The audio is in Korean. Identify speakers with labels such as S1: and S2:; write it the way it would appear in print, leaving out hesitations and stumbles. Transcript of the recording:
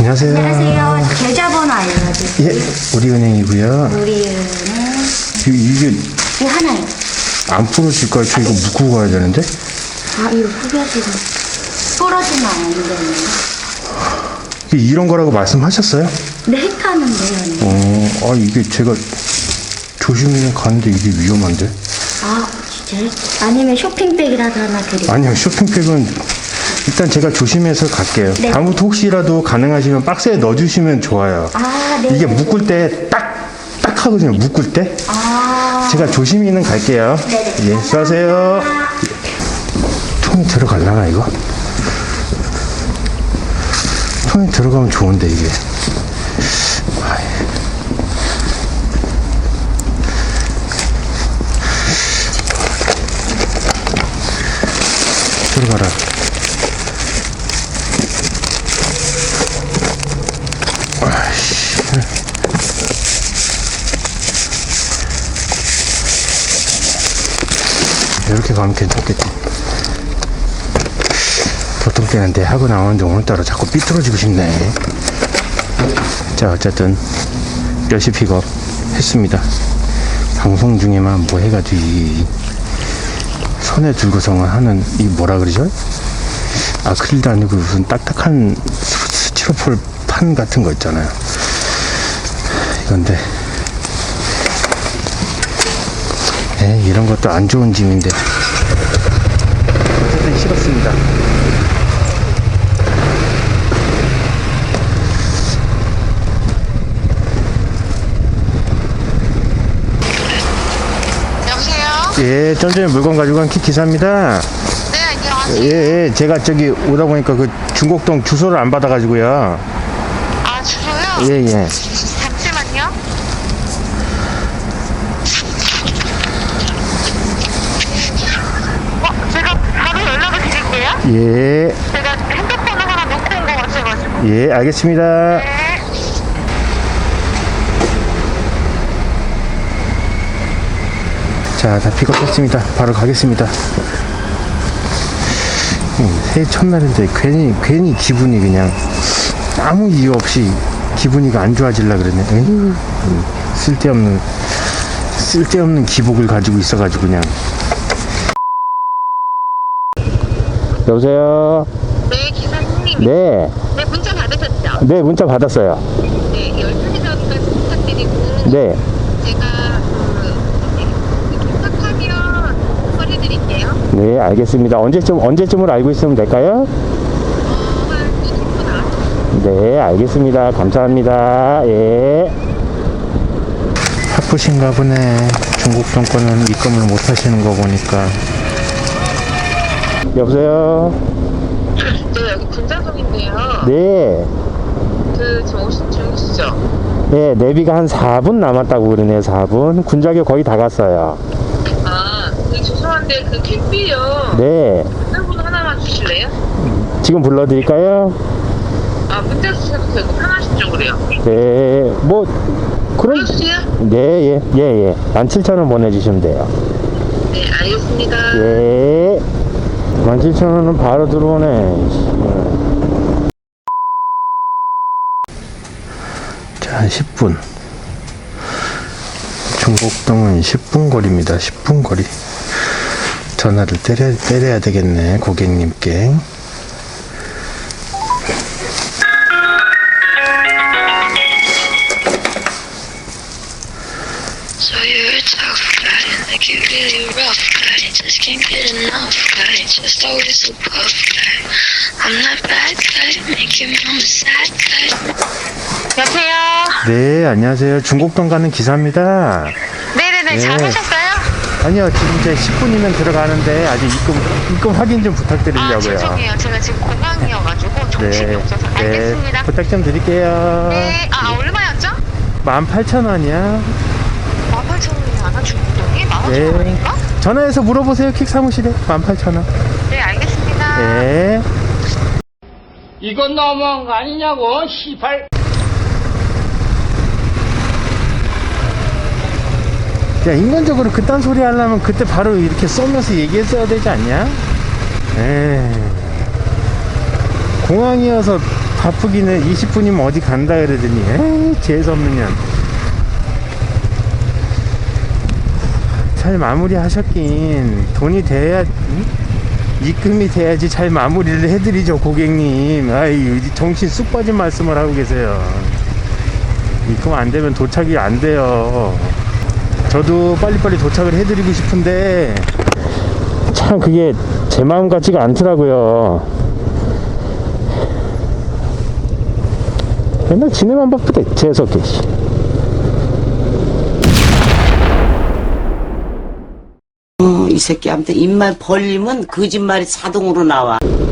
S1: 안녕하세요.
S2: 안녕하세요. 계좌번호 알려드릴게요.
S1: 예, 우리은행이고요.
S2: 우리은행
S1: 이게
S2: 이 하나요.
S1: 안 부러질까요? 저 이거 묶고 가야 되는데?
S2: 아 이거 후벼지는 부러지면 안 되는데.
S1: 이런 거라고 말씀하셨어요?
S2: 네, 헷하는데요.
S1: 이게 제가 조심히 가는데 이게 위험한데?
S2: 아 진짜요? 아니면 쇼핑백이라도 하나 드릴까요?
S1: 아니요, 쇼핑백은 일단 제가 조심해서 갈게요.
S2: 네.
S1: 다음부터 혹시라도 가능하시면 박스에 넣어주시면 좋아요.
S2: 아 네.
S1: 이게 묶을 때 딱 하거든요, 묶을 때.
S2: 아
S1: 제가 조심히는 갈게요.
S2: 네네.
S1: 예, 수고하세요. 통에 들어갈라나, 이거? 통에 들어가면 좋은데, 이게. 아이. 들어가라. 아이씨. 이렇게 가면 괜찮겠지. 보통 때는 내 하고 나오는데 오늘따라 자꾸 삐뚤어지고 싶네. 자, 어쨌든 몇시 픽업 했습니다. 방송 중에만 뭐 해가지고 이 손에 들고서만 하는 이 뭐라 그러죠? 아크릴도 아니고 무슨 딱딱한 스티로폴 판 같은 거 있잖아요. 이건데 이런 것도 안 좋은 짐인데 어쨌든 싫었습니다.
S3: 여보세요?
S1: 예, 좀 전에 물건 가지고 간 기사입니다.
S3: 네, 안녕하세요.
S1: 예, 제가 저기 오다 보니까 그 중곡동 주소를 안 받아가지고요.
S3: 아, 주소요?
S1: 예.
S3: 잠시만요. 제가 바로 연락을 드릴게요.
S1: 예,
S3: 제가 핸드폰을 하나 놓고 온 것 같아가지고.
S1: 예, 알겠습니다.
S3: 네.
S1: 자, 다 픽업했습니다. 바로 가겠습니다. 새해 첫날인데 괜히 기분이 그냥 아무 이유 없이 기분이가 안 좋아질라 그러네. 에휴, 쓸데없는 기복을 가지고 있어가지고 그냥. 여보세요?
S3: 네, 기사님.
S1: 네.
S3: 네, 문자 받으셨죠?
S1: 네, 문자 받았어요.
S3: 네, 12시 전까지 부탁드리고.
S1: 네.
S3: 제가 도착하면 처리드릴게요.
S1: 네, 알겠습니다. 언제쯤으로 알고 있으면 될까요?
S3: 한 20분 안.
S1: 네, 알겠습니다. 감사합니다. 예. 바쁘신가 보네. 중국 정권은 입금을 못 하시는 거 보니까. 여보세요?
S3: 네, 여기 군자동인데요.
S1: 네.
S3: 저 오신 중이시죠?
S1: 네, 내비가 한 4분 남았다고 그러네요, 4분. 군자교 거의 다 갔어요.
S3: 아, 죄송한데 그 택비요.
S1: 네.
S3: 전화번호 하나만 주실래요?
S1: 지금 불러드릴까요?
S3: 아, 문자 주셔도 되고 편하신 쪽으로요.
S1: 네, 뭐, 그럼.
S3: 불러주세요.
S1: 네, 예. 17,000원 보내주시면 돼요.
S3: 네, 알겠습니다.
S1: 예. 17,000원은 바로 들어오네. 자, 한 10분. 중곡동은 10분 거리입니다. 10분 거리. 전화를 때려야 되겠네, 고객님께.
S4: So you're a tough guy, like you really rough guy. Just can't get enough guy, just always so puff guy. I'm that bad guy, make your mama sad guy.
S3: 여보세요?
S1: 네, 안녕하세요. 중곡동 가는 기사입니다.
S3: 네네네,
S1: 네.
S3: 잘 하셨어요?
S1: 아니요, 지금 이제 10분이면 들어가는데 아직 입금 확인 좀
S3: 아,
S1: 부탁드리려고요.
S3: 죄송해요. 제가 지금 공항이어가지고 정신이 없어서. 알겠습니다.
S1: 부탁 좀 드릴게요.
S3: 네, 얼마였죠?
S1: 18,000원이야.
S3: 18,000원이 안 중국동이? 15,000원인가?
S1: 네. 전화해서 물어보세요, 킥 사무실에. 18,000원.
S3: 네, 알겠습니다.
S1: 네.
S5: 이건 너무한 거 아니냐고, 시발.
S1: 야, 인간적으로 그딴 소리 하려면 그때 바로 이렇게 쏘면서 얘기했어야 되지 않냐? 에이. 공항이어서 바쁘기는 20분이면 어디 간다 그러더니 에이 재수없는 년. 잘 마무리 하셨긴 돈이 돼야 입금이 돼야지 잘 마무리를 해드리죠 고객님. 아이 정신 쑥 빠진 말씀을 하고 계세요. 입금 안 되면 도착이 안 돼요. 저도 빨리빨리 도착을 해드리고 싶은데 참 그게 제 마음 같지가 않더라고요. 맨날 지네만 바쁘대 재수없게.
S6: 이 새끼한테 입만 벌리면 거짓말이 자동으로 나와.